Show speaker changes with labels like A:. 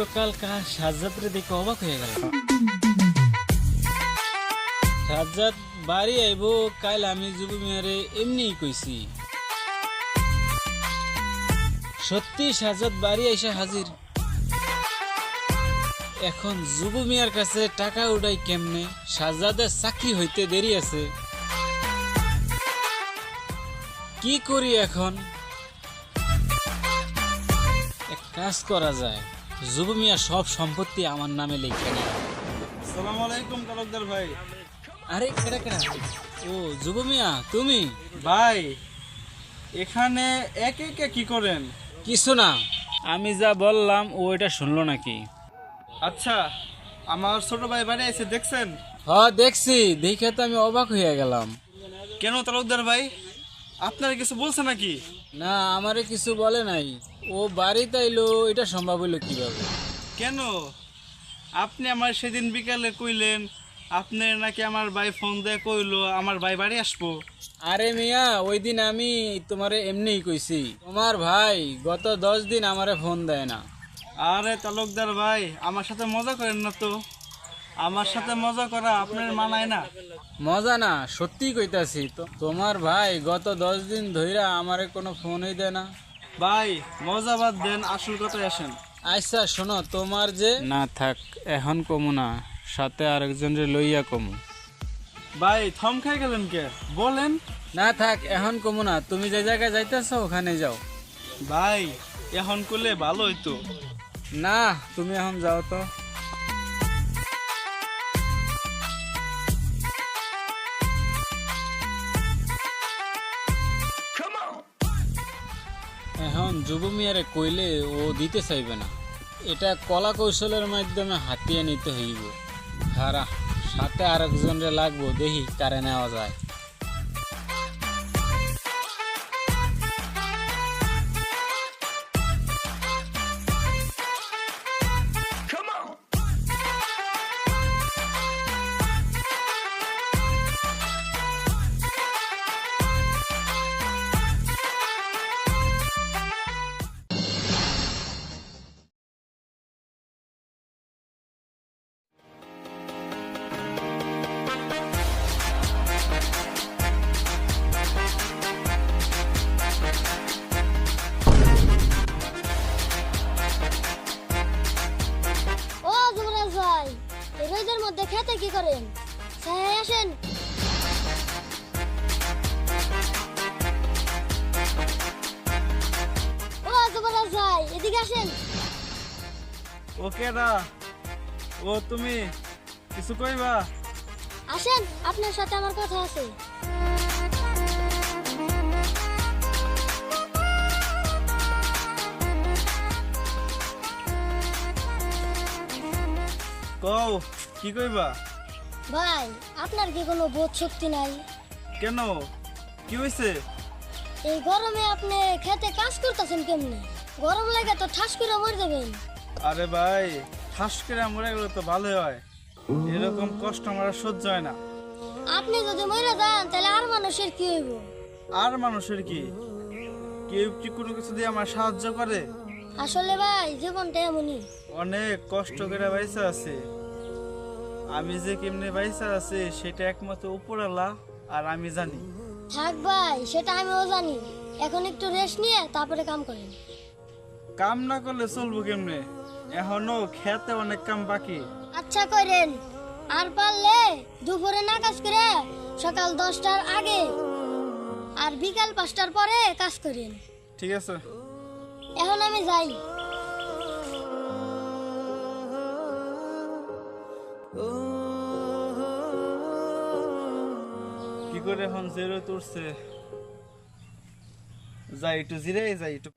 A: গতকাল সাজ্জাদরে দেখে অবাক হয়ে গেল। সাজ্জাদ বাড়ি আইব কাল, আমি যুব মিয়ারে এমনি কইছি। সত্যি সাজ্জাদ বাড়ি আইসা হাজির। এখন যুব মিয়ার কাছে টাকা উঠাই কেমনে? সাজ্জাদের চাকরি হইতে দেরি আছে। কি করি এখন? এক কাজ করা যায়, যুব মিয়া সব সম্পত্তি আমার নামে লিখে নেয়।
B: আসসালামু আলাইকুম তালুকদার ভাই।
A: আরে কেডা কেডা? ও যুব মিয়া, তুমি?
B: ভাই এখানে একে একে কি করেন?
A: কিছু না, আমি যা বললাম ও এটা শুনলো নাকি?
B: আচ্ছা, আমার ছোট ভাই বাড়ি এসে দেখছেন?
A: হ্যাঁ দেখছি, দেখে তো আমি অবাক হয়ে গেলাম।
B: কেন তালুকদার ভাই, আপনার কিছু বলছে নাকি?
A: না, আমারে কিছু বলে নাই। ও বাড়িতে আইলো, এটা সম্ভব হইলো কিভাবে?
B: কেন? আপনি আমার সেদিন বিকালে কইলেন আপনি নাকি আমার ভাই ফোন দিয়ে কইলো আমার ভাই বাড়ি আসবো।
A: আরে মিয়া, ওই দিন আমি তোমারে এমনিই কইছি। তোমার ভাই গত 10 দিন আমারে ফোন দেয় না।
B: আরে তালুকদার ভাই, আমার সাথে মজা করেন না তো। আমার সাথে মজা করা আপনার মানায় না।
A: মজা না, সত্যি কইতাছি তো। তোমার ভাই গত 10 দিন ধইরা আমারে কোনো ফোনই দেয় না।
B: ভাই মজা বাদ দেন, আসল কথায় আসেন।
A: আচ্ছা শোনো, তোমার যে না থাক, এখন কমু না, সাথে আরেকজনের লইয়া কমু।
B: ভাই থম খাই গেলেন কে? বলেন।
A: না থাক, এখন কমু না, তুমি যে জায়গায় যাইতেছো ওখানে যাও।
B: ভাই এখন করলে ভালো হইতো।
A: না, তুমি এখন যাও তো। এখন যুব মিয়ারে কইলে ও দিতে চাইবে না। এটা কলা কৌশলের মাধ্যমে হাতিয়ে নিতে হইব। হারা, সাথে আরেকজনরে লাগবো, দেখি কারে নেওয়া যায়।
C: ও যুবরাজ ভাই, এই রোদের মধ্যে খেতে কি করেন? ছায়ায় আসেন। ও যুবরাজ ভাই, এদিকে আসেন।
B: ওকে দা, ও তুমি কিছু কইবা?
C: আসেন, আপনার সাথে আমার কথা আছে।
B: কও কি কইবা?
C: ভাই, আপনার কি কোনো বোধ শক্তি নাই?
B: কেন, কি হইছে?
C: এই গরমে আপনি খেতে কাজ করতেছেন কেমনে? গরম লাগে তো ঠাস করে মরে যাবেন।
B: আরে ভাই, ঠাস করে মরে গেলে তো ভালো হয়। এরকম কষ্ট আমার আর সহ্য হয় না।
C: আপনি যদি মরে যান তাহলে আর মানুষের কি হইব?
B: আর মানুষের কি? কেউ কি কোনো কিছু দিয়ে আমার সাহায্য করে?
C: আসলে ভাই, জীবনটা এমনই।
B: অনেক কষ্ট করে বাইসা আছে। আমি যে কেমনে বাইসা আছে সেটা একমাত্র উপরওয়ালা আর আমি জানি।
C: থাক ভাই, সেটা আমিও জানি। এখন একটু রেস্ট নিয়ে তারপরে কাম করেন।
B: কাম না করলে চলবো কেমনে? এখনো খেতে অনেক কাম বাকি।
C: আচ্ছা করেন, আর পারলে দুপুরে না কাজ করে সকাল 10টার আগে আর বিকাল 5টার পরে কাজ করেন।
B: ঠিক আছে।
C: এখন আমি যাই।
B: কি করে এখন জেরো তুলছে? যাই একটু জিরে, যাই একটু